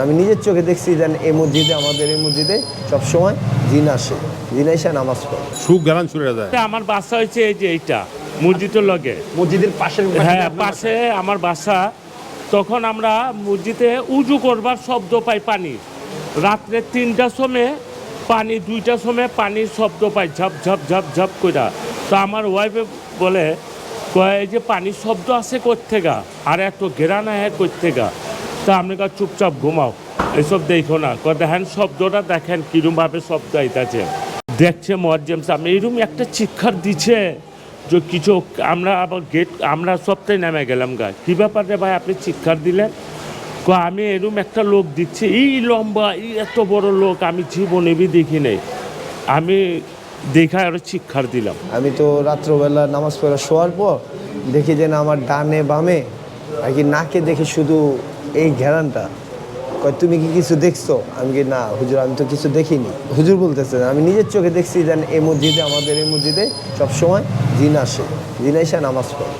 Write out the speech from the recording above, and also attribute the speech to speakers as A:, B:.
A: আমি নিজের চোখে দেখছি যে এই মসজিদে, আমাদের এই মসজিদে সবসময় জিন আসে, জিন এসে নামাজ পড়ে।
B: সুখ গেলান ছুটে যায়।
C: আমার বাসা হয়েছে এই যে এইটা মসজিদের লগে,
D: মসজিদের পাশে।
C: হ্যাঁ পাশে আমার বাসা। তখন আমরা মসজিদে উজু করবার শব্দ পাই, পানি রাত্রে 3টার সময় পানি, 2টার সময় পানির শব্দ পাই, ঝপ ঝপ ঝপ ঝপ কইরা। তো আমার ওয়াইফে বলে কয় যে পানির শব্দ আসে কোত্থেকা, আর এত ঘেরানা হ্যাঁ কোত্থেকা। তা আপনি চুপচাপ ঘুমাও, এসব দেখো না। দেখেন শব্দটা, দেখেন কিরমভাবে শব্দ আইতাছে। দেখছে মুয়াজ্জিম সাহেব এইরকম একটা চিৎকার দিচ্ছে যে কিছু। আমরা আবার গেট, আমরা সবটাই নেমে গেলাম গা। কী ব্যাপার রে ভাই, আপনি চিৎকার দিলেন? আমি এরকম একটা লোক দিচ্ছি, এই লম্বা, এই এত বড় লোক আমি জীবনে দেখি নাই। আমি দেখা আরো চিৎকার দিলাম।
A: আমি তো রাত্রবেলা নামাজ পড়া শোয়ার পর দেখি যে না, আমার ডানে বামে আর কি নাকে দেখি শুধু এই ঘেরানটা। কয় তুমি কি কিছু দেখছো? আমি কি না হুজুর, আমি তো কিছু দেখিনি। হুজুর বলতেছে আমি নিজের চোখে দেখছি যে এই মসজিদে, আমাদের এই মসজিদে সবসময় জিন আসে, জিন এসে নামাজ পড়ে।